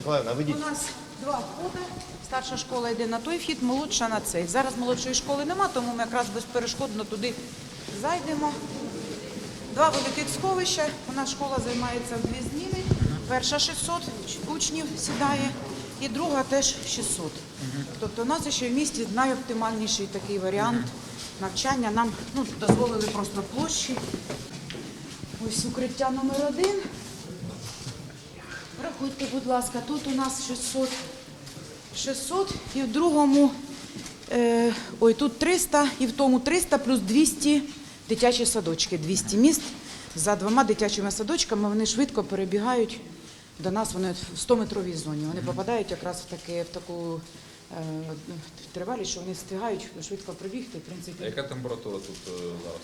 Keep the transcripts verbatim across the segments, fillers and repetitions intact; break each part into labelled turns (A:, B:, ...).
A: Миколаївна,
B: У
A: ведіть.
B: нас два входи. Старша школа йде на той вхід, молодша на цей. Зараз молодшої школи нема, тому ми якраз безперешкодно туди зайдемо. Два великих сховища. У нас школа займається в дві зміни. Перша шістсот учнів сідає і друга теж шістсот. Тобто у нас ще в місті найоптимальніший такий варіант навчання. Нам ну, дозволили просто площі. Ось укриття номер один. Рахуйте, будь ласка, тут у нас шістсот, шістсот і в другому, е, ой, тут триста і в тому триста плюс двісті дитячі садочки, двісті місць. За двома дитячими садочками вони швидко перебігають до нас, вони в сто-метровій зоні. Вони попадають якраз в, таке, в таку е, тривалість, що вони встигають швидко прибігти. В принципі.
C: А яка температура тут е, зараз?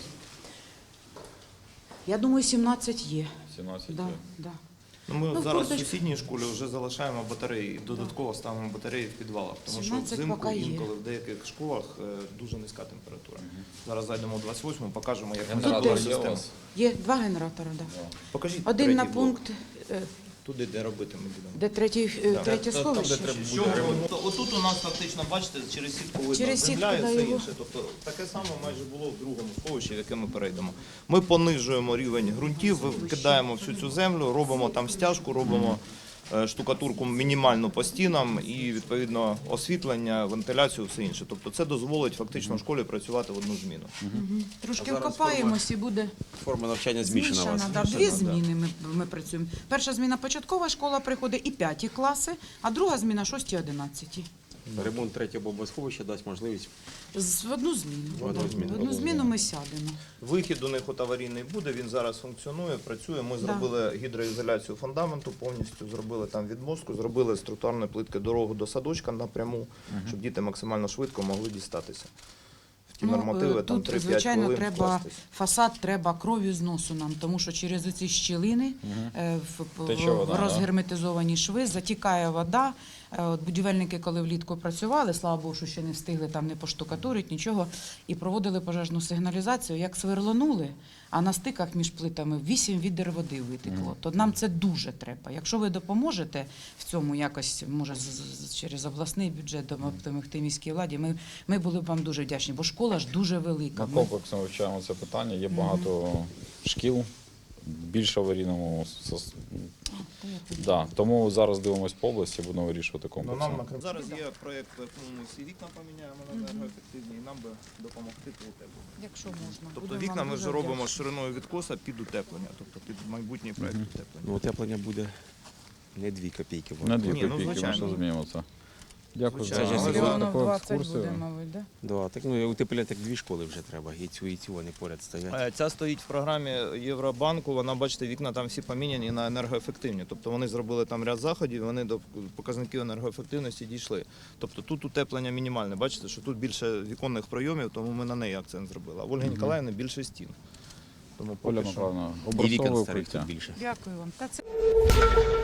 B: Я думаю, сімнадцять є.
C: сімнадцять?
B: Да,
C: є?
B: да.
A: Ну, ми
B: Ну,
A: зараз в
B: курточка.
A: сусідній школі вже залишаємо батареї і додатково ставимо батареї в підвалах, тому що
B: сімнадцять
A: взимку
B: поки є.
A: інколи в деяких школах е, дуже низька температура. Зараз зайдемо в двадцять восьму, покажемо, як ми
C: Генератор
A: зробили
C: є у
A: систему.
C: вас?
B: Є два генератори, да.
A: Покажіть
B: Один
A: третій
B: на
A: блок.
B: пункт, е,
A: Туди, де робити ми будемо.
B: де третій, е,
A: Так.
B: третє
C: Та- там, де
B: сховище.
C: треба
A: Що ми- Отут у нас фактично, бачите, через сітку видно
B: Через
A: земля
B: сітку,
A: і
B: да,
A: все
B: його.
A: інше. Тобто таке саме майже було в другому сховищі, в яке ми перейдемо. Ми понижуємо рівень ґрунтів, кидаємо всю цю землю, робимо там стяжку, робимо е, штукатурку мінімальну по стінам і, відповідно, освітлення, вентиляцію, все інше. Тобто це дозволить фактично в школі працювати в одну зміну.
B: Трошки
D: А зараз
B: вкопаємось і буде
D: Форма навчання змішана у вас.
B: змішана. Да. Дві зміни ми, ми працюємо. Перша зміна початкова школа приходить і п'яті класи, а друга зміна шості одинадцяті.
D: Ремонт третього бомбосховища дасть можливість.
B: З в одну зміну.
D: В одну
B: Да.
D: зміну.
B: В одну зміну ми сядемо.
A: Вихід у них от аварійний буде, він зараз функціонує, працює. Ми
B: Да.
A: зробили гідроізоляцію фундаменту повністю, зробили там відмостку, зробили з тротуарної плитки дорогу до садочка напряму, щоб діти максимально швидко могли дістатися. В ті нормативи
B: е,
A: там
B: тут,
A: три-п'ять
B: звичайно,
A: хвилин
B: треба
A: вкластись.
B: фасад, треба кров'ю зносу нам, тому що через оці щілини е, в,
C: Тече
B: в,
C: вода,
B: в
C: да?
B: розгерметизовані шви затікає вода. Е, От будівельники, коли влітку працювали, слава Богу, що ще не встигли там не поштукатурити, нічого, і проводили пожежну сигналізацію, як сверлонули, а на стиках між плитами вісім відер води витекло. То нам це дуже треба. Якщо ви допоможете в цьому якось, може, з- з- через обласний бюджет допомогти міській владі, ми, ми були б вам дуже вдячні, бо школа ж дуже велика.
C: Ми
B: Ми-
C: комплексно вивчаємо це питання. Є багато шкіл, більш аварійному. сос-
B: Та я тут-
C: Да. Тому зараз дивимося по області, будемо вирішувати
A: Ну,
C: комплексно.
A: нам на- зараз є проєкт, по якому ми всі вікна поміняємо на енергоефективні, і нам би допомогти по утепленню.
B: Якщо можна.
A: Тобто
B: Будемо
A: вікна
B: вам
A: ми
B: дуже
A: вже робимо
B: вдячні.
A: шириною відкоса під утеплення, тобто під майбутній проєкт утеплення.
D: Ну, утеплення буде не дві копійки. бо-
C: На дві
A: Ні, ну,
C: копійки ми
A: звичайно.
C: ще змінимо це. Дякую
A: Звичайно.
C: за
A: Це ж
C: за
B: Мільйонів
C: таку
B: двадцять буде,
C: екскурсію.
B: мабуть, да?
D: Да, так, ну, і утеплення так дві школи вже треба, і цю, і цю вони поряд стоять.
A: Е, Ця стоїть в програмі Євробанку, вона, бачите, вікна там всі поміняні на енергоефективні. Тобто вони зробили там ряд заходів, вони до показників енергоефективності дійшли. Тобто тут утеплення мінімальне. Бачите, що тут більше віконних пройомів, тому ми на неї акцент зробили. А в Ольги Ніколаївни більше стін. Тому
C: Оля
A: поки що.
C: Михайловна,
D: І вікон
C: образцове
D: старих
C: укриття.
D: тут більше.
B: Дякую вам. Та це